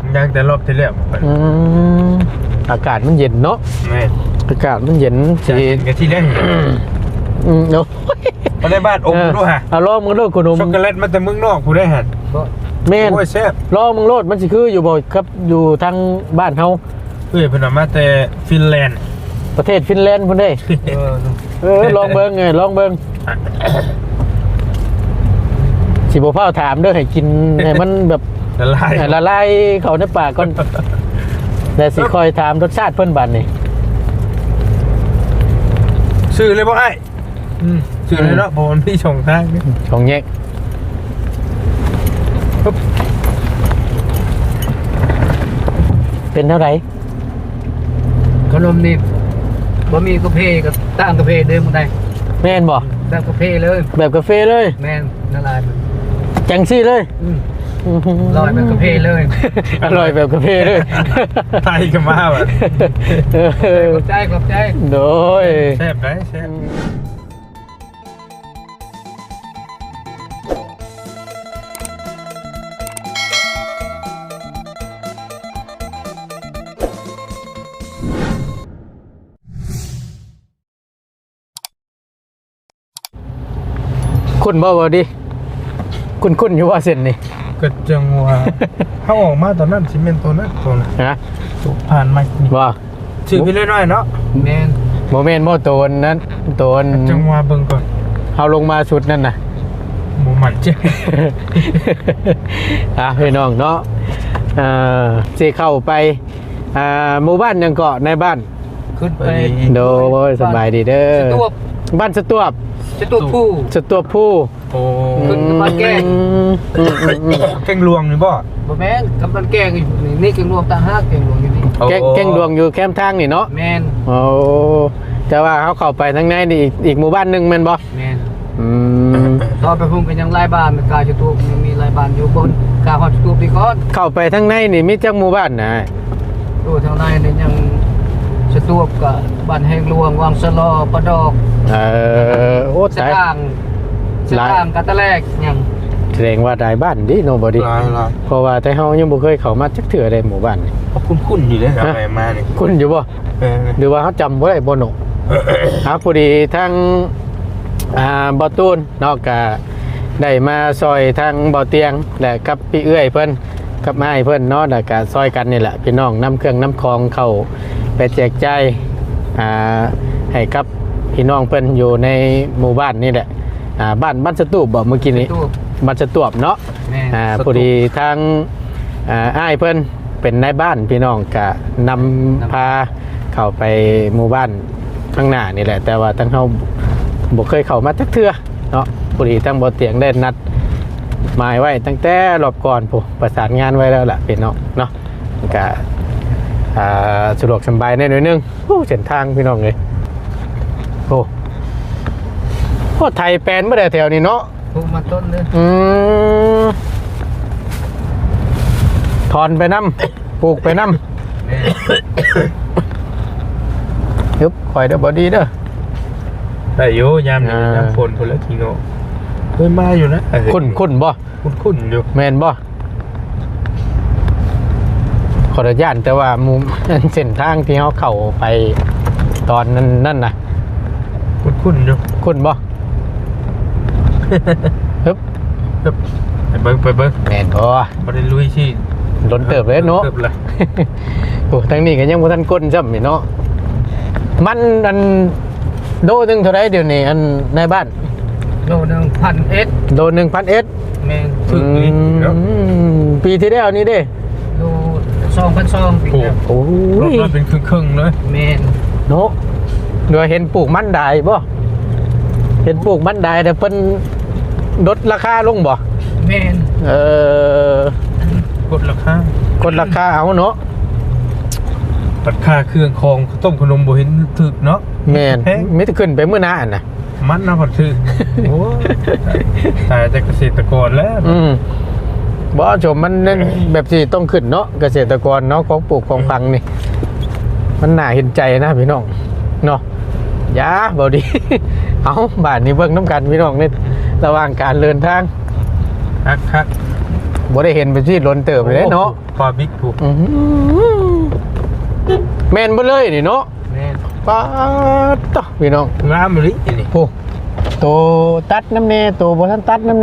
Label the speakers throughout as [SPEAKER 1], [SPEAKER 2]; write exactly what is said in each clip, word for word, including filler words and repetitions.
[SPEAKER 1] ยังแต่รอบที่แล้ว
[SPEAKER 2] อืมอากาศมันเย็นเนาะ
[SPEAKER 1] แม่
[SPEAKER 2] อากาศมันเย็นสิ
[SPEAKER 1] กันที่แรก
[SPEAKER 2] อืมเนาะ
[SPEAKER 1] มาได้บ้านอมด้วยฮะ
[SPEAKER 2] เอาล้อมึงโลดขนม
[SPEAKER 1] ช็อกโกแลตมาแต่เมืองนอกผู้ได้ฮะ
[SPEAKER 2] แม่น
[SPEAKER 1] โอ้ยแซ่บ
[SPEAKER 2] ล้อมึงโลดมันสิคืออยู่บ่ครับอยู่ทางบ้านเฮา
[SPEAKER 1] เอ้ยเพิ่นมาแต่ฟินแลนด์
[SPEAKER 2] ประเทศฟินแลนด์พุ่นเด้เออเออลองเบิ่งไงลองเบิ่งสิบ่พาถามเด้อให้กินให้มันแบบ
[SPEAKER 1] ละลาย
[SPEAKER 2] ละลายเข้าในปากก่อนแต่สิคอยถามรสชาติเพิ่นบัดนี่
[SPEAKER 1] ชื่อเลยบ่ไอ้อืมชื่อเลยเนาะบ่มันพี่ช่องทางนี่
[SPEAKER 2] ช่องแยกเป็นเท่าไหร่
[SPEAKER 3] ขนมนี่บ่มีกาแฟกับตั้งกาแฟเดิมบ่ได้
[SPEAKER 2] แม่นบ่
[SPEAKER 3] แบบกาแฟเลย
[SPEAKER 2] แบบกาแฟเลย
[SPEAKER 3] แม่นละลาย
[SPEAKER 2] จังซี่เลย
[SPEAKER 3] อืมอร่อยแบบกาแฟเลย
[SPEAKER 2] อร่อยแบบกาแฟเลย
[SPEAKER 1] ไทยกันมาแบบ
[SPEAKER 3] ขอบใจขอบใจ
[SPEAKER 2] โดย
[SPEAKER 1] แซ่บได้แซ่บ
[SPEAKER 2] คุณบ่บ่ดิคุณคุณอยู่ว่าเส้นนี่
[SPEAKER 1] ก็จังว่าเขาออกมาตอนนั้นซีเมนต์ตัวนั้นตัวนั้น
[SPEAKER 2] ฮะ
[SPEAKER 1] ผ่านมา
[SPEAKER 2] บ่
[SPEAKER 1] ชื่อพี่เล่น้อยเนาะ
[SPEAKER 3] แม่น
[SPEAKER 2] โมเมนต์โมโตนนั้นโตน
[SPEAKER 1] จังว่าเบิ่งก่อน
[SPEAKER 2] เอาลงมาสุดนั่นน่ะ
[SPEAKER 1] หมูหมันเจ้
[SPEAKER 2] อ่ะพี่น้องเนาะอ่าสิเข้าไปอ่าหมู่บ้านยังเกาะในบ้าน
[SPEAKER 3] ขึ้นไป
[SPEAKER 2] โดยสบายดีเด้อบ้านสตวบ
[SPEAKER 3] สตวบผู้
[SPEAKER 2] สตวบผู้
[SPEAKER 1] โอ้
[SPEAKER 3] ขึ้นบ้านแก้ง
[SPEAKER 1] แก้งลวงนี่บ่
[SPEAKER 3] บ่แม่นกับบ้านแก้งอยู่นี่แก้งลวงตาฮักแก้งลวงอยู่นี่
[SPEAKER 2] แก้งแก้งลวงอยู่แคมป์ทางนี่เนาะ
[SPEAKER 3] แม่น
[SPEAKER 2] โอ้แต่ว่าเขาเข้าไปทางในนี่อีกอีกหมู่บ้านนึงแม่นบ่
[SPEAKER 3] แม่น
[SPEAKER 2] อืม
[SPEAKER 3] ตอนไปพุ่งกันยังหลายบ้านกาสตวบยังมีหลายบ้านอยู่บนกาฮอดสตวบนี่ก่อน
[SPEAKER 2] เข้าไปทางในนี่มีจักหมู่บ้านน่ะ
[SPEAKER 3] ตัวทางในนี่ยังสตวบกับบ้านแห่งหลวงวังสะลอปะดอก
[SPEAKER 2] เออโอ้ตาย
[SPEAKER 3] สร้างกันตะแรกยัง
[SPEAKER 2] แสดงว่าหลายบ้านดิโนบอดี้เพราะว่าแต่เฮายังบ่เคยเข้ามาจักเทื่อใดหมู่บ้านนี่
[SPEAKER 1] คุ้นๆอยู่เด้ครับไปมานี่
[SPEAKER 2] คุ้นอยู่บ่หรือว่าเฮาจำบ่ได้บ่เนาะครับพอดีทางอ่าบ่ตูนเนาะก็ได้มาซอยทางบ่เตียงและกับพี่เอื้อยเพิ่นกับอ้ายเพิ่นเนาะแล้วก็ซอยกันนี่แหละพี่น้องนำเครื่องนำของเข้าไปแจกจ่ายอ่าให้กับพี่น้องเพิ่นอยู่ในหมู่บ้านนี่แหละอ่าบ้านบ้านสตูบบ่เมื่อกี้นี้บ้านสตูบเนาะอ่าพอดีทางอ่าอ้ายเพิ่นเป็นนายบ้านพี่น้องก็นำพาเข้าไปหมู่บ้านข้างหน้านี่แหละแต่ว่าทั้งเฮาบ่เคยเข้ามาจักเทื่อเนาะพอดีทั้งบ่เตียงได้นัดหมายไว้ตั้งแต่รอบก่อนผู้ประสานงานไว้แล้วล่ะพี่น้องเนาะก็อ่าสะดวกสบายแน่หน่อยนึงโอ้เส้นทางพี่น้องเอ้ยโอ้โอ้ไทยแปลนบ่ได้แถวนี้เนาะ
[SPEAKER 3] ปลูกมาต้นเลย
[SPEAKER 2] อืมถอนไปนำปลูกไปนำยึบข่อยเด้อบ่ดีเด้อ
[SPEAKER 1] ได้อยู่ยามนี้น้ำฝนพุ่นละทีโง่เคยมาอยู่นะ
[SPEAKER 2] คุ้นๆบ่
[SPEAKER 1] คุ้นๆอยู่
[SPEAKER 2] แม่นบ่ขออนุญาตแต่ว่ามุมเส้นทางที่เฮาเข้าไปตอนนั้นนั่นน่ะ
[SPEAKER 1] คุ้นๆอยู่
[SPEAKER 2] คุ้นบ่ฮึบ
[SPEAKER 1] ฮึบไปเบิ่งไปเบิ่ง
[SPEAKER 2] แม่นบ่
[SPEAKER 1] บ่ได้ลุยสิ
[SPEAKER 2] ล้นเติบเลยเนาะเติบละโอ้ทางนี้ก็ยังบ่ทันก้นซ้ำนี่เนาะมันอันโลนึงเท่าไรเดี๋ยวนี้อันในบ้าน
[SPEAKER 3] โลนึง หนึ่งพัน เอส
[SPEAKER 2] โล หนึ่งพัน เอส
[SPEAKER 3] แม่น
[SPEAKER 2] ถึงนี่ปีที่แล้วนี่เด้
[SPEAKER 3] โล สองพันสองปีแล้ว
[SPEAKER 2] โอ้
[SPEAKER 1] ยรถเป็นครึ่งๆเลย
[SPEAKER 3] แม่น
[SPEAKER 2] เนาะเดี๋ยวเห็นปลูกมันได้บ่เห็นปลูกมันได้แต่เพิ่นลดราคาลงบ่
[SPEAKER 3] แม่น
[SPEAKER 2] เออก
[SPEAKER 1] ดราคาก
[SPEAKER 2] ดราคาเอาเนาะ
[SPEAKER 1] ปัดค่าเครื่องของต้มขนมบ่เห็นถึกเนาะ
[SPEAKER 2] แม่นไม่ได้ขึ้นไปมื้อหน้าน่ะ
[SPEAKER 1] มันน่ะบ่ถึกโอ้ตายแต่เกษตรกรแล้ว
[SPEAKER 2] อืมบ่ชมมันแบบสิต้องขึ้นเนาะเกษตรกรเนาะของปลูกของพังนี่มันน่าเห็นใจนะพี่น้องเนาะยาบ่ดีเอาบ้านนี้เบิ่งน้ำกันพี่น้องในระหว่างการเดินทาง
[SPEAKER 1] คักคัก
[SPEAKER 2] บ่ได้เห็นเป็นที่ล้นเติบเลยเนาะ
[SPEAKER 1] ปลาบิ๊กถูก
[SPEAKER 2] อื้อหือแม่นบ่เลยนี่เนาะ
[SPEAKER 3] แม่น
[SPEAKER 2] ป๊าดตะพี่น้อง
[SPEAKER 1] งามเลยนี่
[SPEAKER 2] โอ้โตตัดน้ำเนโตบ่ทันตัดน้ำเน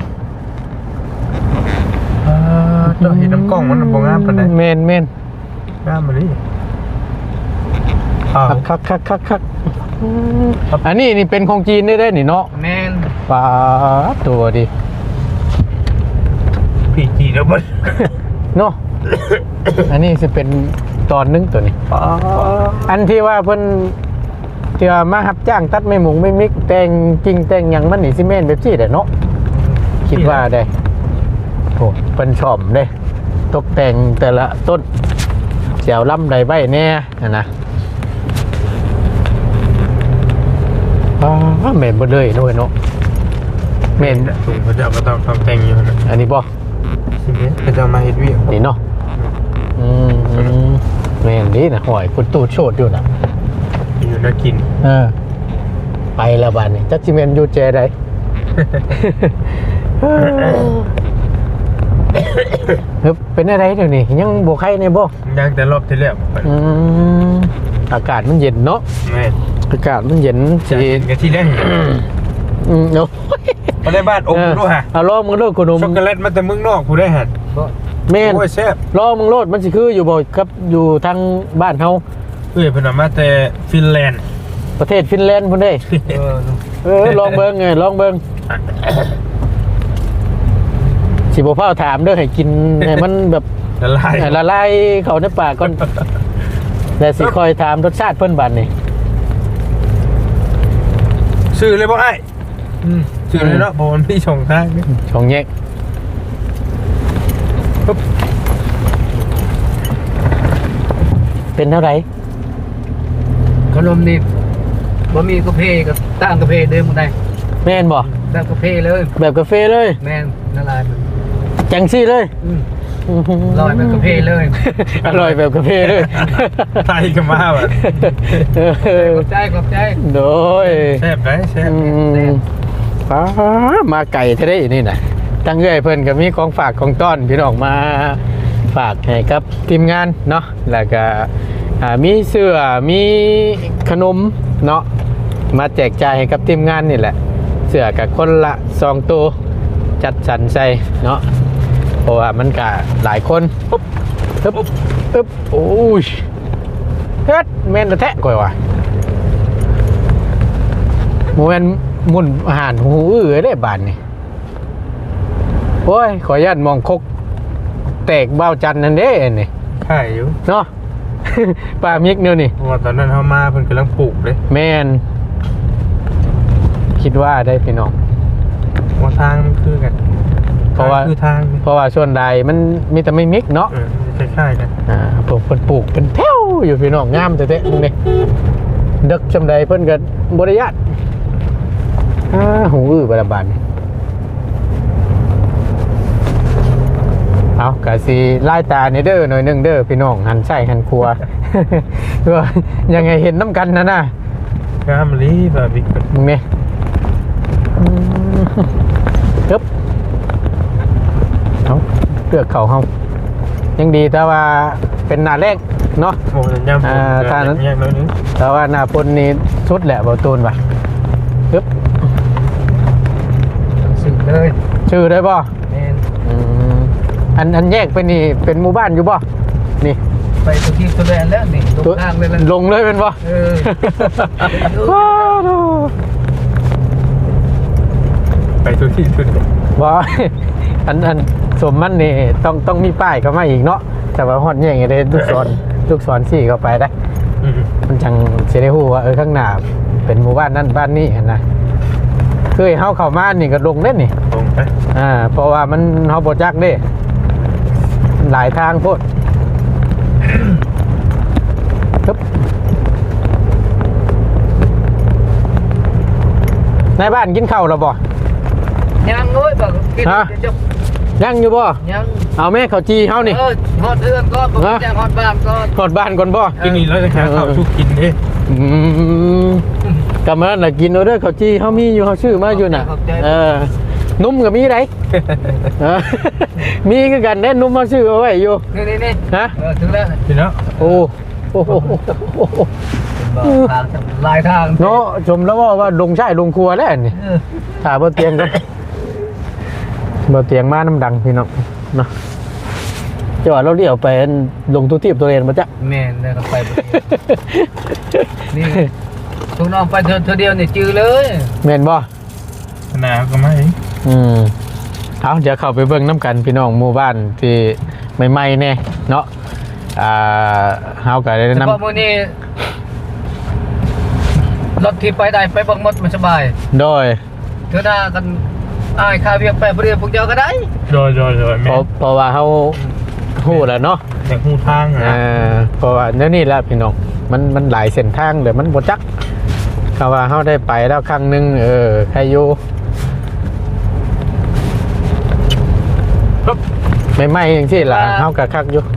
[SPEAKER 1] เจ้าเห็นน้ำกล้องมันบ่งามปานใด
[SPEAKER 2] แม่นแม่น
[SPEAKER 1] งามเลยอ้าว
[SPEAKER 2] คักคักคักคักอืมอันนี้นี่เป็นของจีนได้ได้นี่เนาะ
[SPEAKER 3] แม่น
[SPEAKER 2] ป๊าดตัวดิ
[SPEAKER 1] พี่จีแล้วมัน
[SPEAKER 2] เนาะ อันนี้สิเป็นตอนหนึงตัวนี้ อันที่ว่าเพิ่นที่ว่ามารับจ้างตัดไม่หมุงไม่มิกแต่งจริงแต่งหยังมันนี่สิแม่นแบบซี่แหละเนาะคิดว่าได้โอ้เพิ่นชอบเด้ตกแต่งแต่ละต้นเสียวลำใดใบแน่นะนะอ้าแม่นบ่เลยเนาะเนาะแม่น
[SPEAKER 1] ถุงเขาจะเอามาทำแต่งอยู่นะ
[SPEAKER 2] อันนี้บ่
[SPEAKER 1] สิเนี้ยเขาจะมาเฮ็ดเวียก
[SPEAKER 2] นี่เนาะอืมอืมแม่นดีนะหอยคุณตูดโชดอยู่น่ะ
[SPEAKER 1] อยู่น่ากิน
[SPEAKER 2] เออไปแล้วบ้านนี่จักจิเมนอยู่เจได เฮ้ยเป็นอะไรเดี๋ยวนี้ยังบวกไข่ในบ่
[SPEAKER 1] ยังแต่รอบที่แล้ว
[SPEAKER 2] อืมอากาศมันเย็นเนาะ
[SPEAKER 1] แม่
[SPEAKER 2] อากาศมันเย็น
[SPEAKER 1] จะ
[SPEAKER 2] สิ
[SPEAKER 1] กินกันที่แรก
[SPEAKER 2] อืมเนาะ
[SPEAKER 1] มาได้บ้านอมด้วยฮะ
[SPEAKER 2] เอาล้อมึงโลดขนม
[SPEAKER 1] ช็อกโกแลตมาแต่เมืองนอกกูได้หัน
[SPEAKER 3] บ่
[SPEAKER 2] แม่น
[SPEAKER 1] โอ้ยแซ่บ
[SPEAKER 2] ล้อมึงโลดมันสิคืออยู่บ่ครับอยู่ทางบ้านเฮา
[SPEAKER 1] เอ้ยเพิ่นเอามาแต่ฟินแลนด์
[SPEAKER 2] ประเทศฟินแลนด์พุ่นเด้
[SPEAKER 3] เออ
[SPEAKER 2] เออลองเบิ่งไงลองเบิ่งสิบ่พาถามเด้อให้กินให้มันแบบ
[SPEAKER 1] ละลาย
[SPEAKER 2] ให้ละลายเข้าในปากก่อนแต่สิคอยถามรสชาติเพิ่นบัดนี่
[SPEAKER 1] ซื้อเลยบ่ไอ้อืมซื้อเลยเนาะบ่มันพี่ช่องทางนี่
[SPEAKER 2] ช่องแยกปึ๊บเป็นเท่าไหร่
[SPEAKER 3] ขนมนี่บ่มีกาแฟก็ตั้งกาแฟเดิมบ่ได้
[SPEAKER 2] แม่นบ่
[SPEAKER 3] แบบกาแฟเลย
[SPEAKER 2] แบบกาแฟเลย
[SPEAKER 3] แม่นละลายมัน
[SPEAKER 2] จังซี่เลย
[SPEAKER 3] อืมลอยแบบกาแฟเลย
[SPEAKER 2] อร่อยแบบกาแฟเลย
[SPEAKER 1] ไทยก็มาว่ะ
[SPEAKER 2] เออ
[SPEAKER 3] ขอบใจขอบใจ
[SPEAKER 2] โดย
[SPEAKER 1] แซ่บได้แซ่บ
[SPEAKER 2] อืมป้ามาไก่เท่าได้นี่นะตั้งเอื้อยเพิ่นก็มีของฝากของต้อนพี่น้องมาฝากให้กับทีมงานเนาะแล้วก็อ่ามีเสื้อมีขนมเนาะมาแจกจ่ายให้กับทีมงานนี่แหละเสื้อกับคนละสองตัวจัดสรรใส่เนาะเพราะว่ามันก็หลายคนปุ๊บปึ๊บปึ๊บโอ้ยเฮ็ดแม่นแท้ก่อยว่ะ โมเมนหมุนอาหารหูอื้อได้บานนี่โอ้ยขออนุญาตมองคกแตกเบ้าจันนั่นเด้นี่
[SPEAKER 1] ขายอยู่
[SPEAKER 2] เนาะ ปลามิกเนี่ยนี่
[SPEAKER 1] เพราะว่าตอนนั้นเฮามาเพิ่นกำลังปลูกเลย
[SPEAKER 2] แมนคิดว่าได้พี่น้อง
[SPEAKER 1] ว่าทางมันคือกัน
[SPEAKER 2] เพราะว่า
[SPEAKER 1] ทงคือทางนี่
[SPEAKER 2] เพราะว่าส่วนใดมันมีแต่ไม่มิกเนาะ
[SPEAKER 1] เออคล้ายๆกัน
[SPEAKER 2] อ่าปลูกเพิ่นปลูกเป็นแถวอยู่พี่น้องงามแต่เตะมึงนี่ดึกจำใดเพิ่นก็บริยาตอ่าหูอื้อบาบานนี่เอากะสิไล่ตาในเด้อหน่อยหนึงเด้อพี่น้องหันใส่หันครัว ว่ายังไงเห็นน้ำกันนะน่ะ
[SPEAKER 1] งามลีบาร์บีคิว
[SPEAKER 2] มึงเนี่ยปึ๊บเอาเลือกเขาเฮายังดีแต่ว่าเป็นหน้าแรกเนาะ
[SPEAKER 1] โอ้ยยำ
[SPEAKER 2] อ่าทานนั้น
[SPEAKER 1] แยกแล้วนึง
[SPEAKER 2] แต่ว่าหน้าพลนี่สุดแหละเบาตูนว่ะปึ๊บ
[SPEAKER 3] สึกเลย
[SPEAKER 2] ชื่อได้ป่ะ
[SPEAKER 3] แม่น
[SPEAKER 2] อันอันแยกเป็นนี่เป็นหมู่บ้านอยู่ป่ะนี่
[SPEAKER 3] ไปตัวที่ตัวแดนแล้วนี่ตกทางเลยแล้ว
[SPEAKER 2] ลงเลยเป็นป่ะ
[SPEAKER 3] เออ
[SPEAKER 2] ว้าวดู
[SPEAKER 1] ไปทุกที่ทุกที่
[SPEAKER 2] ว่า อันอันสมมันนี่ต้องต้องมีป้ายเข้ามาอีกเนาะแต่ว่าฮอดแย่งไงได้ลูกศร ลูกศรสี่เข้าไปได้
[SPEAKER 1] อืม
[SPEAKER 2] มันจังเสียได้ฮู้ว่าเออข้างหน้าเป็นหมู่บ้านนั่นบ้านนี้เห็นนะเคยเฮาเข้ามานี่ก็ลงเล่นนี่
[SPEAKER 1] ตรงไป
[SPEAKER 2] อ่าเพราะว่ามันเฮาบ่จักเด้หลายทางโพดปึ๊บในบ้านกินข้าวแล้วบ่
[SPEAKER 3] ยังเอ้ยบอกกิน
[SPEAKER 2] ฮะ
[SPEAKER 3] จะ
[SPEAKER 2] ยังอยู่บ่
[SPEAKER 3] ยัง
[SPEAKER 2] เอาแม่ข้าวจีเฮานี่
[SPEAKER 3] เออฮอดเทือนก็บอก
[SPEAKER 2] ฮะ
[SPEAKER 3] จะฮอดบ้านก็
[SPEAKER 2] กดบ้านก่อนบ่
[SPEAKER 1] กินนี่แล้วจะหาข้าวชุกกินเด้
[SPEAKER 2] อืมกำมันน่ะกินเอาเด้อข้าวจีเฮามีอยู่เฮาชื่อมาอยู่น่ะเออนุ่มกับมีไรเออมีคือกันแน่นุ่มมาซื้อเอาไว้อยู่
[SPEAKER 3] นี่นี่นี่
[SPEAKER 2] ฮะ
[SPEAKER 3] เออถึงแล้ว
[SPEAKER 1] พี่เนาะ
[SPEAKER 2] โอ้โอ้โห
[SPEAKER 3] ทางลายทาง
[SPEAKER 2] เนาะชมแล้วว่าว่าลงใช่ลงครัวแล้วนี่
[SPEAKER 3] เออ
[SPEAKER 2] ถ่าบนเตียงกันบนเตียงมาน้ำดังพี่น้องเนาะจะว่าเราเดี่ยวไปลงทุกที่ตัวเองมาจ้ะ
[SPEAKER 3] แม่นได้ก็ไปบ่ดีนี่ทุกน้องไปเธอเธอเดียวนี่จือเลย
[SPEAKER 2] เมนบ่
[SPEAKER 1] ขนาดก็ไม่
[SPEAKER 2] อืมเอาเดี๋ยวเข้าไปเบิ่งน้ำกันพี่น้องหมู่บ้านที่ใหม่ๆแน่เนาะอ่าเฮาก็ได้
[SPEAKER 3] เฉ
[SPEAKER 2] นำ
[SPEAKER 3] พาะมื้อนี้รถที่ไปได้ไปเบิ่งหมดมันสบาย
[SPEAKER 2] โดย
[SPEAKER 3] เธอหน้ากันอายค่าเวียงไปบ่ได้พวกเจ้าก็ได้
[SPEAKER 1] โดยโดยโดย
[SPEAKER 2] เพ
[SPEAKER 1] แม่
[SPEAKER 2] ราะเพราะว่าเฮาฮู้แล้วเนาะ
[SPEAKER 1] อยากหูทาง
[SPEAKER 2] อ่า
[SPEAKER 1] นะ
[SPEAKER 2] เพราะว่าเดี๋ยวนี้แหละพี่น้องมันมันหลายเส้นทางเลยมันบ่จักคำว่าเฮาได้ไปแล้วครั้งหนึงเออใครอยู่ใหม่ๆจังซี่ล่ะเฮาก็คักอยู่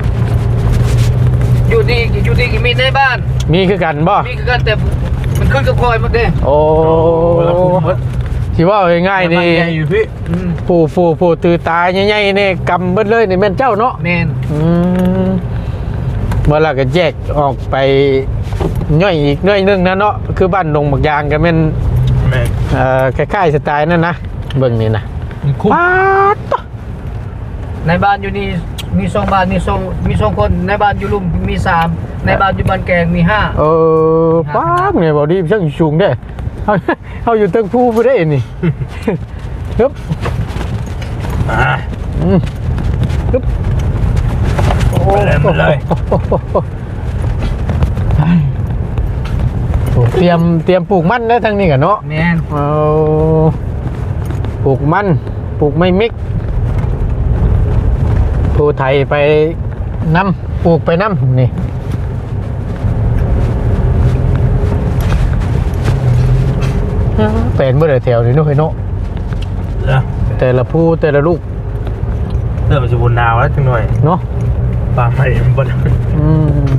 [SPEAKER 3] อยู่ดีอยู่ดีก็มีในบ้าน
[SPEAKER 2] มีคือกันบ่
[SPEAKER 3] มีคือกันแต่มันขึ้นกับคอยหมดเด้
[SPEAKER 2] โอ้
[SPEAKER 1] แล้วคุณ
[SPEAKER 2] ที่ว่าง่ายๆนี่
[SPEAKER 1] ใหญ่อยู่พี่
[SPEAKER 3] อืม
[SPEAKER 2] ผู้ผู้ผู้ตือตาใหญ่ๆนี่กำเบิดเลยนี่แม่นเจ้าเนาะ
[SPEAKER 3] แม่น
[SPEAKER 2] อืมเมื่อเราก็แยกออกไปย่อยอีกย่อยหนึงนะเนาะคือบ้านดงบักยางก็แม่น
[SPEAKER 1] แม่
[SPEAKER 2] เอ่อคล้ายๆสไตล์นั่นนะเบิ่งนี่นะ
[SPEAKER 1] คุ้ม
[SPEAKER 2] ป๊าดตะ
[SPEAKER 3] ในบ้านอยู่นี่มีสองบ้านมีสองมีสองคนในบ้านอยู่ลุมมีสามในบ้านอยู่บ้านแกงมีห้า
[SPEAKER 2] เออป๊าดเนี่ยบ่ดีช่างสูงเด้เฮาเฮาอยู่เตึงภูบ่ได้นี่ ฮึบ
[SPEAKER 1] อ่า
[SPEAKER 2] อืมฮึบโอ้
[SPEAKER 1] ไปเลยไปเลย
[SPEAKER 2] โอ้เตรียมเตรียมปลูกมันแล้วทางนี้กันเนาะ
[SPEAKER 3] แม่น
[SPEAKER 2] เอาปลูกมันปลูกไม่มิกผู้ไทยไปน้ำปลูกไปน้ำนี่เป็นเมื่อไรแถวนี่เนู้นเนาะ
[SPEAKER 1] เนาะ
[SPEAKER 2] แต่ละผู้แต่ละลูก
[SPEAKER 1] เริ่มจะบนดาวแล้วจังหน่อย
[SPEAKER 2] เนาะ
[SPEAKER 1] ปลาไผ่มันบน
[SPEAKER 2] อืม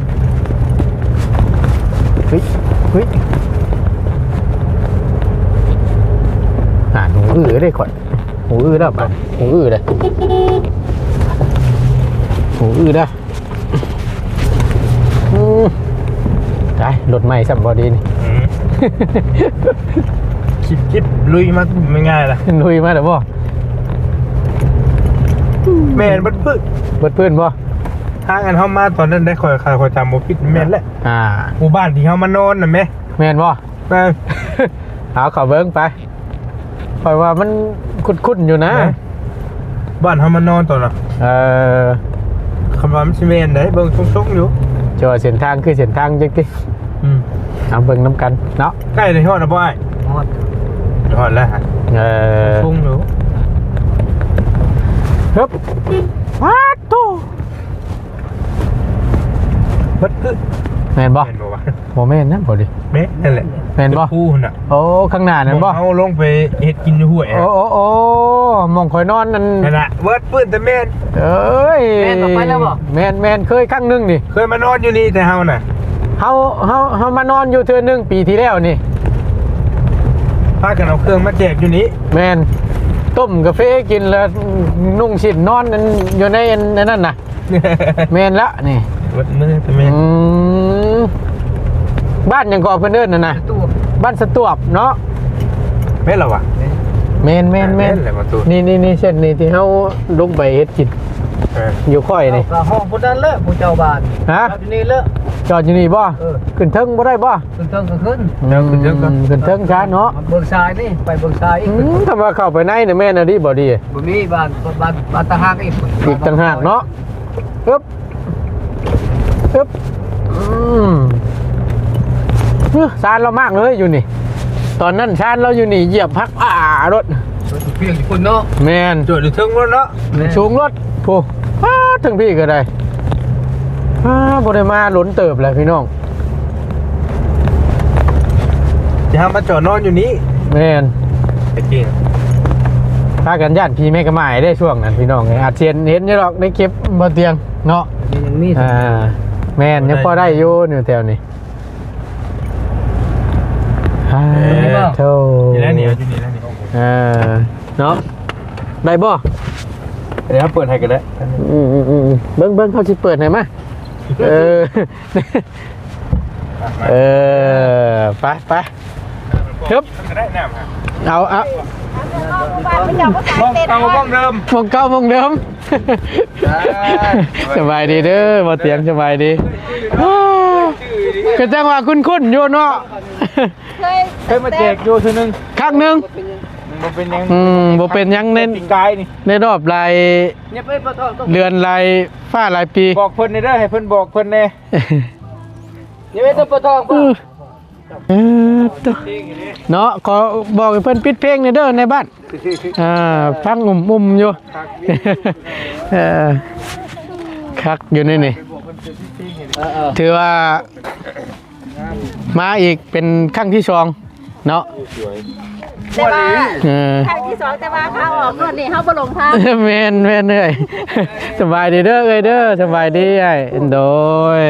[SPEAKER 2] เฮ้ยเฮ้ยอ่านหูอื้อได้ก่อนหูอื้อได้ป่ะหูอื้อได้หูอื้อได้อืมได้รถใหม่สับบอดีนี่
[SPEAKER 1] อืมคิดคิดลุยมาไม่ง่ายละ
[SPEAKER 2] ลุยมาเดี๋ยวบ่
[SPEAKER 1] แม่นบัดพึ่ง
[SPEAKER 2] เบิดเพื่อนบ่
[SPEAKER 1] ทางอันเฮามาตอนนั้นได้คอยคอยคอยจำบ่ผิดแม่นแหละ
[SPEAKER 2] อ่า
[SPEAKER 1] หมู่บ้านที่เฮามานอนน่ะแม่
[SPEAKER 2] แม่นบ่
[SPEAKER 1] แม่
[SPEAKER 2] เอาเขอเบิ้งไปคอยว่ามันคุ้นๆอยู่นะ
[SPEAKER 1] บ้านเฮามานอนตอนน่ะ
[SPEAKER 2] เออ
[SPEAKER 1] คำว่ามันสิแม่นได้เบิ่งชงๆอยู่
[SPEAKER 2] จอเส้นทางคือเส้นทางจังติ
[SPEAKER 1] อืม
[SPEAKER 2] เอาเบิ่งน้ำกันเนาะ
[SPEAKER 1] ใกล้เลยฮอดนะบ่อ้าย
[SPEAKER 3] ฮอด
[SPEAKER 1] ฮอดแล้วฮะ
[SPEAKER 2] เออ
[SPEAKER 1] ชงอยู่
[SPEAKER 2] ฮึบว้าโต
[SPEAKER 1] บัดพึ่ง
[SPEAKER 2] แม่นบ่
[SPEAKER 1] แม่นบ่วะ
[SPEAKER 2] บ่แม่นนะบ่ดิ
[SPEAKER 1] แม่นนั่นแหละ
[SPEAKER 2] แม่นบ่
[SPEAKER 1] ผู้น่ะ
[SPEAKER 2] โอ้ข้างหน้านั่นบ่
[SPEAKER 1] เอาลงไปเฮ็ดกินอยู่ห้วย
[SPEAKER 2] โอ้โอ้โอ้หมองคอยนอนนั่น
[SPEAKER 1] นั่นน่ะเวิร์ดปื้นแต่แม่น
[SPEAKER 2] เอ้ย
[SPEAKER 3] แม่นบ่ไปแล้วบ่
[SPEAKER 2] แม่นแม่นเคยครั้งหนึงนี่
[SPEAKER 1] เคยมานอนอยู่นี่แต่เฮาน่ะ
[SPEAKER 2] เฮาเฮาเฮามานอนอยู่เทื่อหนึงปีที่แล้วนี่
[SPEAKER 1] พากันเอาเครื่องมาแจกอยู่นี้
[SPEAKER 2] แม่นต้มกาแฟกินแล้วนุ่งชิ้นนอนนั่นอยู่ในอันนั่นน่ะแม่นละนี่
[SPEAKER 1] เวิร์ดมือแต่แม่น
[SPEAKER 2] อืมบ้านหยังก่อเพิ่นเอิ้นน่ะนะ
[SPEAKER 3] ตู้
[SPEAKER 2] บ้านสตวบเนาะ
[SPEAKER 1] แม่นเหรอวะ
[SPEAKER 2] แม่นแม่นแม่น
[SPEAKER 1] แหละประตู
[SPEAKER 2] นี่นี่นี่เช่นนี่ที่เฮาลงไปเฮ็ดกิน
[SPEAKER 1] เออ
[SPEAKER 2] อยู่ค่อยนี่
[SPEAKER 3] ก็ห้องพุ่นนั้นเลยผู้เจ้าบ้าน
[SPEAKER 2] ฮะ
[SPEAKER 3] อยู่นี่เลย
[SPEAKER 2] จอดอยู่นี่บ่
[SPEAKER 3] เออ
[SPEAKER 2] ขึ้นเทิงบ่ได้บ่
[SPEAKER 3] ขึ้นเทิงก็ขึ้น
[SPEAKER 2] อืมขึ้นเทิงช้าเนาะ
[SPEAKER 3] เบิ่งซ้ายนี่ไปเบิ่งซ้ายอี
[SPEAKER 2] อื
[SPEAKER 3] ก
[SPEAKER 2] มถ้าว่าเข้าไปในน่ะแม่นอะดิบ่ดี
[SPEAKER 3] บ่มีบ้านบ้านบ้านตะหากอีก
[SPEAKER 2] อีกต่างหากเนาะอึ๊บอึ๊บอืมเฮ้อชานเรามากเลยอยู่นี่ ตอนนั้นชานเราอยู่นี่เหยียบพักอ่ารถ
[SPEAKER 3] เพียงอยู่คนเนาะ
[SPEAKER 2] แมน
[SPEAKER 1] จอดอยู่เทึงรถเนาะ
[SPEAKER 2] สูงรถโอ้อ้าถึงพี่ก็ได้อ้าบริมาหล้นเติบเลยพี่น้อง
[SPEAKER 1] จะหามาจอดนอนอยู่นี้
[SPEAKER 2] แมน
[SPEAKER 1] ไอ้จริง
[SPEAKER 2] ถ้ากันญาติพี่แม่กระหมายได้ช่วงนั้นพี่น้องไงอาจเชียนเห็นอยี่หรอกในคลิปบนเตียงเนาะ
[SPEAKER 3] ยังมี
[SPEAKER 2] อ่าแมนยังพอได้อยู่อยู่แถวนี้ฮ่าโธ่
[SPEAKER 1] อยู่แล้วนี่อยู่นี่แล้วนี่
[SPEAKER 2] อ่าเนาะได้บ่
[SPEAKER 1] เดี๋ยวเปิดให้กันแล้ว
[SPEAKER 2] อืมอืมอืมเบิ้งเบิ้งเขาสิเปิดให้มาเออเออไปไปฮึบ
[SPEAKER 1] ได้น้ำฮะ
[SPEAKER 2] เอาเอา
[SPEAKER 1] มองเก่ามองเดิม
[SPEAKER 2] มองเก้ามองเดิมสบายดีเด้อบ่เตียงสบายดีก็จังว่าคุ้นๆอยู่เนาะ
[SPEAKER 4] เคย
[SPEAKER 1] เคยมาแจกอยู่ทีนึง
[SPEAKER 2] ครั้งหนึง
[SPEAKER 1] มันเป็นยัง
[SPEAKER 2] อืมบ่เป็นหยังเน้น
[SPEAKER 1] ปีกายนี่
[SPEAKER 2] ในรอบลาย
[SPEAKER 3] เนี่ยไปปะทองต้อง
[SPEAKER 2] เรือนลายฟ้าลายปี
[SPEAKER 1] บอกเพิ่นเด้อให้เพิ่นบอกเพิ่นแน่
[SPEAKER 3] เนี่ยไปต้องปะทอง
[SPEAKER 2] เอ
[SPEAKER 3] ป่ะ
[SPEAKER 2] อเออตัวเนาะขอบอกให้เพิ่นปิดเพลงในอยเด้อในบ้านอ่าฟังอุ่มๆอยู่ เออคักอยู่นี่นี่
[SPEAKER 3] เออเออ
[SPEAKER 2] ถือว่ามาอีกเป็นครั้งที่สองเนาะ
[SPEAKER 4] แต่ว่า
[SPEAKER 2] เออ
[SPEAKER 4] ครั้งที่สองแต่ว่าเขาออกรถนี่เขาบ่ลงทาง
[SPEAKER 2] แม่นแม่นเอ้ยสบายดีเด้อเอ้ยเด้อสบายดีไอ้โดย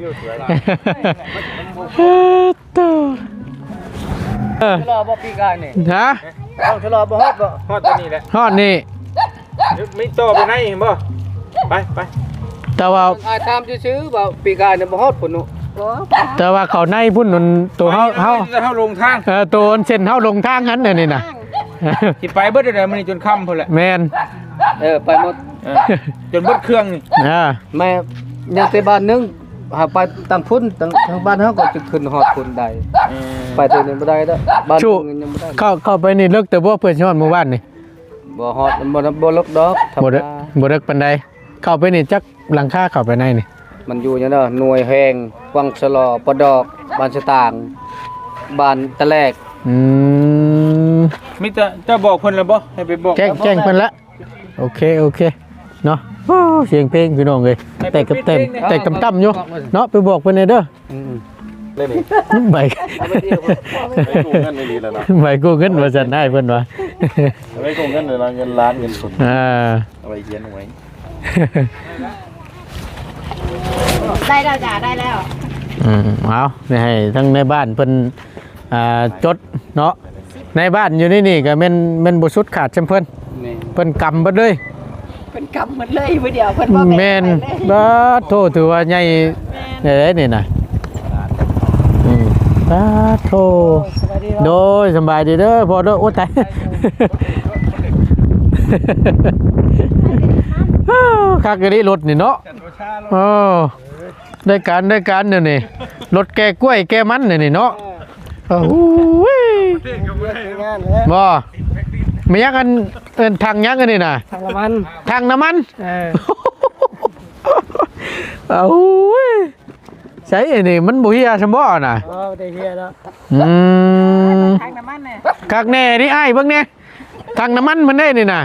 [SPEAKER 2] ตัวเออ
[SPEAKER 3] ชะลอบ่ปีกายนี่
[SPEAKER 2] ฮะ
[SPEAKER 3] ต้องชะลอบ่ฮอดบ่
[SPEAKER 1] ฮอดตัวนี้แหละ
[SPEAKER 2] ฮอดนี่
[SPEAKER 1] ไม่ต่อไปไหนเห็นบ่ไปไป
[SPEAKER 2] แต่ว่า
[SPEAKER 3] อายตามซื่อๆว่าปีกายเนี่ยบ่ฮอดพุ่นนุ
[SPEAKER 4] โอ้
[SPEAKER 2] แต่ว่าเขาในพุ่นนั่นตัวเฮาเฮา
[SPEAKER 1] จะเฮาลงทาง
[SPEAKER 2] เออตัวเส้นเฮาลงทางหันน่ะนี่น่ะ
[SPEAKER 1] สิไปเบิดได้มื้อนี้จนค่ำพุ่นแหละ
[SPEAKER 2] แม่น
[SPEAKER 3] เออไปหมด
[SPEAKER 1] เออจนเบิดเครื่องนี่
[SPEAKER 2] อ่า
[SPEAKER 3] แม่ยังแต่บ้านนึงหาไปตั้งพุ่นตั้งทางบ้านเฮาก็จะขึ้นฮอดพุ่นใด
[SPEAKER 1] เออ
[SPEAKER 3] ไปตัวนี้บ่ได้เด้อบ้านนึงยังบ่ได้
[SPEAKER 2] เข้าเข้าไปนี่เลิกแต่บ่เพิ่นสิฮอดหมู่บ้านนี่
[SPEAKER 3] บ่ฮอดบ่บ่ลกดอกธรรม
[SPEAKER 2] บ่เลิก
[SPEAKER 3] ดา
[SPEAKER 2] บ่เลิกปานใดเข้าไปนี่จักหลังคาเข้าไปในนี่
[SPEAKER 3] มันอยู่จังเด้อหน่วยแหงวังสลอปะดอกบ้านสตางค์บ้านตะแลก
[SPEAKER 2] อืม
[SPEAKER 1] มิจะจะบอกเพิ่นแล้วบ่ให้ไปบอก
[SPEAKER 2] แจ้งแจ้งเพิ่นละโอเคโอเคเนาะโอ้เสียงเพลงพี่น้องเอ้ยแต่กับเต็มแต่กับต่ำอยู่เนาะไปบอกเพิ่นให้เด้อ
[SPEAKER 3] อืม
[SPEAKER 1] เล่นนี่
[SPEAKER 2] ใบ
[SPEAKER 1] ไปกู้เงินได้ดีแล้วเนาะ
[SPEAKER 2] ใบกู้เงินว่าซั่นได้เพิ่นว่า
[SPEAKER 1] ไปกู้เงินเลยเงินล้านเงินสด
[SPEAKER 2] อ่า
[SPEAKER 1] เอาไว้เขียนเอาไว้
[SPEAKER 4] ได้แล้วจ้าได้แล้ว
[SPEAKER 2] อืมเอานี่ให้ทั้งในบ้านเพิ่นอ่าจดเนาะในบ้านอยู่นี่นี่ก็แม่นแม่นบ่สุดขาดจำเพิ่น
[SPEAKER 3] นี่
[SPEAKER 2] เพิ่นกำเบิดเลย
[SPEAKER 4] เป็นกำหมดเลยมื้อเดียวเพิ่นบ่
[SPEAKER 2] แม่นบ่โทษถือว่าใหญ่ใหญ่เลยนี่น่ะอืมสาโทโดยสบายดีเด้อพอเด้อโอ้ตายคักกะนี้รถนี่เนาะโอ้ได้การได้การเดี๋ยวนี้รถแกกล้วยแกมันเดี๋ยวนี้เนาะโอ้ยบ่ไม่ยักกันเอิ้นทางยักกันนี่น่ะ
[SPEAKER 3] ทางละมัน
[SPEAKER 2] ทางน้ำมัน
[SPEAKER 3] เออ
[SPEAKER 2] เอาเว้ยใช่ไอ้นี่มันบุฮียสมบ่น่ะ
[SPEAKER 3] อ๋อได้เฮียแล้ว
[SPEAKER 2] อืม
[SPEAKER 4] ทางน้ำมันเนี่ย
[SPEAKER 2] คักแน่นี่ไอ้ายเบิ่งแน่ทางน้ำมันมันได้นี่น่ะ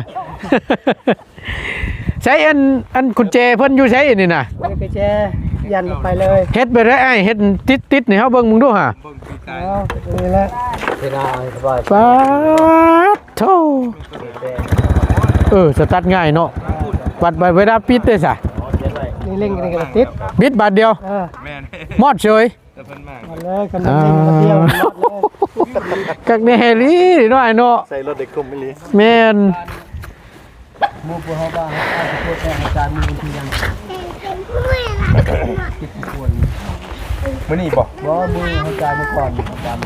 [SPEAKER 2] ใช้อันอันกุญแจเพิ่นอยู่ใช้นี่น่ะ
[SPEAKER 3] มันก็แจยันลงไปเลย
[SPEAKER 2] เฮ็ดไปได้ไอ้ายเฮ็ดติดๆนี่เฮาเบิ่งมึงดูห่า
[SPEAKER 3] อ๋อนี่แหละไม่ได้สบาย
[SPEAKER 2] ป๊าดโธ่เออสตาร์ทง่ายเนาะวัดไปเวลาปิดได้ซะ
[SPEAKER 3] นี่เล่นกันกันติด
[SPEAKER 2] บิดบาทเดียว
[SPEAKER 3] เออ
[SPEAKER 2] มอดเฉย
[SPEAKER 3] มันเลยกันเล่นกันเดียวหมดเลย
[SPEAKER 2] กักแน่ลีเนาะไอ้เนาะ
[SPEAKER 1] ใส่รถเด็กกลมไม่ลี
[SPEAKER 2] แม่น
[SPEAKER 3] หมู่พวกเฮาบ้างอาจจะพูดแต่อาจารย์มีวิธียัง
[SPEAKER 1] มื้อนี้บ่
[SPEAKER 3] บ่มืออาจารย์มาก่อนอาจารย์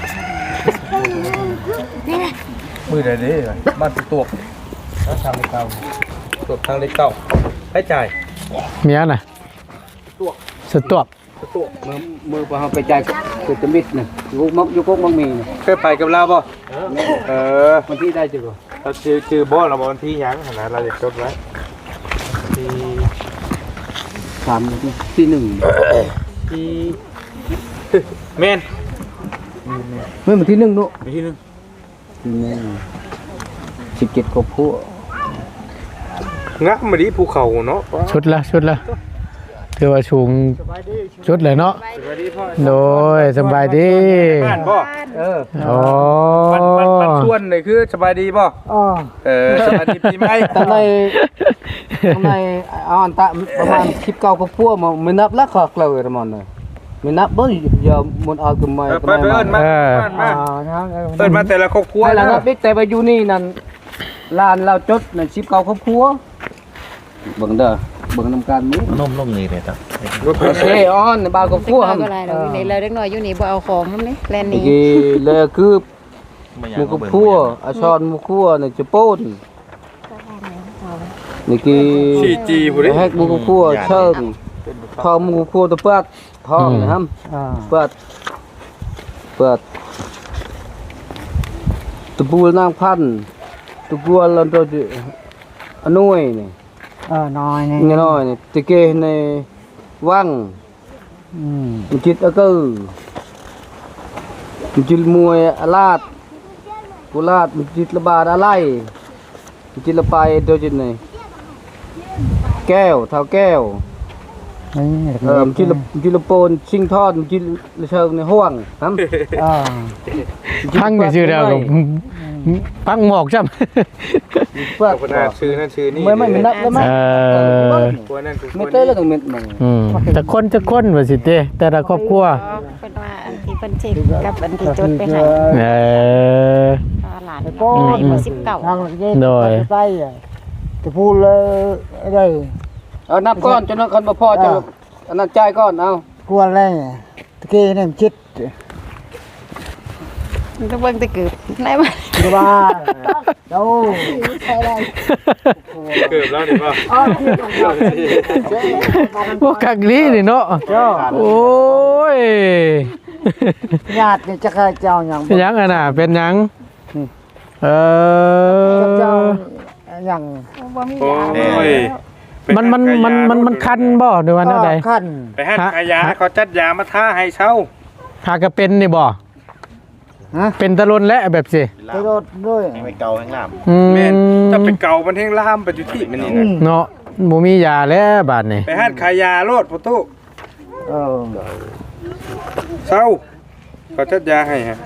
[SPEAKER 1] มื้อใดเด้บ้านตวก
[SPEAKER 3] แล้วทำให้เก่า
[SPEAKER 1] ตวกทางเล็กเก่าให้จ่าย
[SPEAKER 2] เมียน่ะสตวบ
[SPEAKER 3] มือมือพวกเฮาไปจ่ายคือตะมิดน่ะอยู่มักอยู่กกมังมีน่ะ
[SPEAKER 1] เคยไปกับเราบ่เออ
[SPEAKER 3] มันที่ได้จังบ่
[SPEAKER 1] เราชื่อชื่อบ่เราบ่วันที่หยังขนาดเราจะจดไว้ที่
[SPEAKER 3] สามที่หนึ่ง
[SPEAKER 1] ที่แม่น
[SPEAKER 3] เมื่อวันที่หนึ่งเนาะ
[SPEAKER 1] มีที่หนึง
[SPEAKER 3] ที่หนึ่งสิบเจ็ดกบผู้
[SPEAKER 1] งะมาดิภูเขาเนาะ
[SPEAKER 2] ชุดละชุดละถือว่าสูงชุดเลยเนาะ
[SPEAKER 1] สวัสดีพ่อ
[SPEAKER 2] โดยสบายดี
[SPEAKER 1] บ้านบ่
[SPEAKER 3] เออ
[SPEAKER 2] โอ้
[SPEAKER 1] มันมันมันชวนเลยคือสบายดีบ่
[SPEAKER 3] อ๋อ
[SPEAKER 1] เออสบายดีปีใหม่
[SPEAKER 3] ตอนในตอนในเอาอันตะประมาณสิบเก้ากบผู้มาไม่นับแล้วขอกเลยประมาณนั้นไม่นับบ่อย่ามันเอาขึ้นมา
[SPEAKER 1] เออไปไปเอิ้นมาเอิ้นมา
[SPEAKER 3] อ่า
[SPEAKER 1] เอิ้นมาแต่ละครอบครัว
[SPEAKER 3] ไว้แล้วนับบิ๊กแต่ไปอยู่นี่นั่นลานเราจดในชิปเก่าครอบครัวเบิ่งเด้อเบิ่งนำการมือน
[SPEAKER 5] มลงนี่เลยครับ
[SPEAKER 3] โอเคออนในบ้านครอบค
[SPEAKER 4] เด็ก
[SPEAKER 3] รัว
[SPEAKER 4] น้อย
[SPEAKER 3] ครับ
[SPEAKER 4] ก็ไรเราอยู่นี่เลยเด็กน้อยอยู่นี่บ่เอาของนำนี่แลน
[SPEAKER 3] นี่
[SPEAKER 4] นี่
[SPEAKER 3] เลยคือหมูครอบครัวอาชอนหมูครอบครัวนี่จะโป้นนี่คือ
[SPEAKER 1] ซีจีบ่ได้
[SPEAKER 3] แฮกหมูครอบครัวเชิงทองหมูครอบครัวตะเปิดทองนะครับเปิดเปิดตะปูนางพันตะปูลันโตจิอนุยนี่
[SPEAKER 6] เออน้อยนี่
[SPEAKER 3] เงี้ยน้อยนี่ตะเกในวัง
[SPEAKER 6] อืม
[SPEAKER 3] มันจิตอะกือมันจิตมวยอาลาดกุลาดมันจิตระบาดอะไรมันจิตละไปโดยจิตนี่แก้วเท้าแก้ว
[SPEAKER 6] นี่
[SPEAKER 3] เออมันจิตละมันจิตละโปนชิงทอดมันจิตละเชิงในห้วงครับ
[SPEAKER 6] เออ
[SPEAKER 2] พังก็ชื่อแล้วก็พังหมอกจ้ำ
[SPEAKER 3] เปิด
[SPEAKER 1] คนนั้นชื่อนั่นชื่อนี่
[SPEAKER 3] ไม่ไม่ไม่นับแล้วมั้ย
[SPEAKER 2] เออ
[SPEAKER 1] คนนั้นคือ
[SPEAKER 3] ไม่เต้แล้วต้องเม็ดมัน
[SPEAKER 2] อืมแต่คนจะคนว่าสิเต้แต่ละครอบครัว
[SPEAKER 4] เพิ่นว่าอันที่เพิ่นเช็คกับอันที่จดไปให้
[SPEAKER 2] เออ
[SPEAKER 4] หลานก็ให้บ่สิบเก้า
[SPEAKER 6] ทางเย็น
[SPEAKER 2] โดย
[SPEAKER 6] ไปอ่ะจะพูดเลยได้
[SPEAKER 3] เอานับก้อนจนนั้นคนบ่พอจะอันนั้นจ่ายก้อนเอา
[SPEAKER 6] กลัวอะไรตะกี้นี่มันจิต
[SPEAKER 4] มันก็เบิ่งแต่เกิดได้บ่
[SPEAKER 6] จะว่าเจ้า
[SPEAKER 1] เกือบแล้วนี่ป่ะ
[SPEAKER 2] พวกกักลีนี่เนาะ
[SPEAKER 6] เจ้า
[SPEAKER 2] โอ้ย
[SPEAKER 6] ญาตินี่จะเคยเจ้าอย่าง
[SPEAKER 2] เป็นหยังอะน่ะเป็นหยังเออ
[SPEAKER 6] เจ้าอย่าง
[SPEAKER 4] บ่มี
[SPEAKER 1] โอ้
[SPEAKER 4] ยาย
[SPEAKER 2] มันมันมันมันมันคันบ่หรือว่าแนวใด
[SPEAKER 6] ขั้น
[SPEAKER 1] ไปให้ขายาเขาจัดยามาท่าให้เช่า
[SPEAKER 2] หากะเป็นนี่บ่
[SPEAKER 6] ฮะ
[SPEAKER 2] เป็นตะลนและแบบสิ
[SPEAKER 6] ไปโดดด้วย
[SPEAKER 5] ไม่เกาข้างล่าง
[SPEAKER 2] อืม
[SPEAKER 1] แม่นถ้าเป็นเก่ามันแห้งล่ามไปอยู่ที่มันนี่นะ
[SPEAKER 2] เนาะบ่มียาแล้วบาดนี่
[SPEAKER 1] ไปให้ขายาโลดประตู
[SPEAKER 6] เออ
[SPEAKER 1] เช่าเขาจัดยาให้ฮะ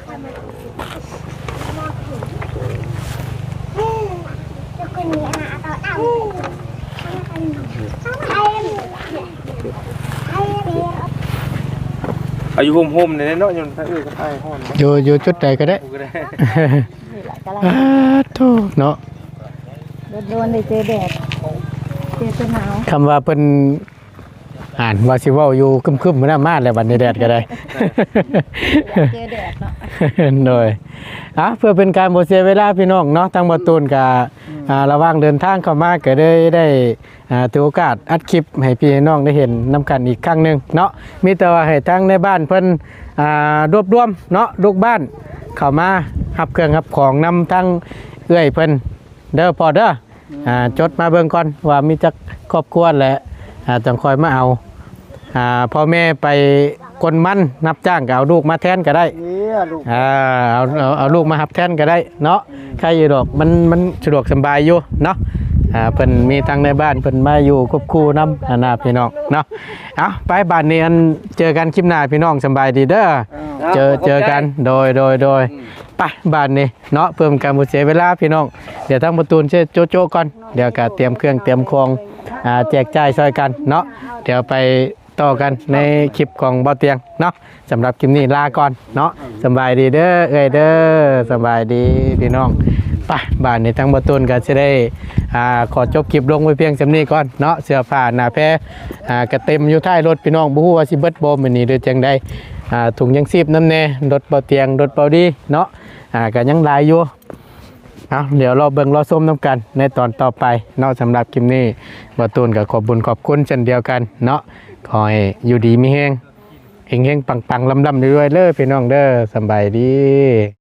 [SPEAKER 1] อายุห่มๆเนี่ยเนาะยนต์พระเอ้ยก็พายห้อน
[SPEAKER 2] อยู่อยู่จุดใดก็ได้
[SPEAKER 1] กูก็ได้
[SPEAKER 2] อ่าโธ่เนาะ
[SPEAKER 4] โดนได้เจอแดดเจอหนาว
[SPEAKER 2] คำว่าเพิ่นอ่านว่าสิเว้าอยู่คึมๆมื้อน้ามาแล้วบัดนี้แดดก็ได้
[SPEAKER 4] เจอแดดเนาะ
[SPEAKER 2] โดยอ่ะเพื่อเป็นการบ่เสียเวลาพี่น้องเนาะทางบ่ตูนก็อ่าระหว่างเดินทางเข้ามาก็ได้ได้อ่าถือโอกาสอัดคลิปให้พี่น้องได้เห็นนํกันอีกครั้งหนึงเนาะมีแต่ว่าให้ทางในบ้านเพิ่นอ่ารวบรวมเนาะลูกบ้านเข้ามารับเครื่องรับของนำทางเอื้อยเพิ่นเด้อพอเด้ออ่าจดมาเบิ่งก่อนว่ามีจักครอบครัวและอ่าจังคอยมาเอาอ่าพ่อแม่ไปกลมันนับจ้างก็เอาลูกมาแทนก็ได้
[SPEAKER 6] นี่ลูก
[SPEAKER 2] อ่าเอาเอาเอาลูกมาหับแทนก็ได้เนาะใครอยู่ดอกมันมันสะดวกสบายอยู่เนาะอ่าเพิ่นมีทางในบ้านเพิ่นมาอยู่ควบคู่นำอานาพี่น้องเนาะเอาไปบ้านนี้อันเจอกันคลิปหน้าพี่น้องสบายดีเด้อเจอเจอกันโดยโดยโดยไปบ้านนี้เนาะเพิ่มการบ่เสียเวลาพี่น้องเดี๋ยวทางประตูนเช่โจโจก่อนเดี๋ยวก็เตรียมเครื่องเตรียมของอ่าแจกจ่ายช่วยกันเนาะเดี๋ยวไปต่อกันในคลิปของบ่อเตียงเนาะสำหรับคลิปนี้ลาก่อนเนาะสบายดีเด้อเอ้ยเด้อสบายดีพี่น้องไปบ้านนี้ทั้งบ่ตูนก็จะได้อ่าขอจบคลิปลงไว้เพียงสำนี้ก่อนเนาะเสื้อผ้าหน้าแพรอ่าก็เต็มอยู่ท้ายรถพี่น้องบ่ฮู้ว่าสิเบิดบ่มื้อนี้หรือจังใดอ่าถุงยังชีพน้ำแน่รถบ่อเตียงรถบ่ดีเนาะอ่าก็ยังหลายอยู่เอาเดี๋ยวเราเบิ่งรอชมน้ำกันในตอนต่อไปเนาะสำหรับคลิปนี้บ่ตูนก็ขอบคุญขอบคุณเช่นเดียวกันเนาะขอให้อยู่ดีมีแฮงเฮงๆปังๆลำๆรวยๆเด้อพี่น้องเด้อสำบายดี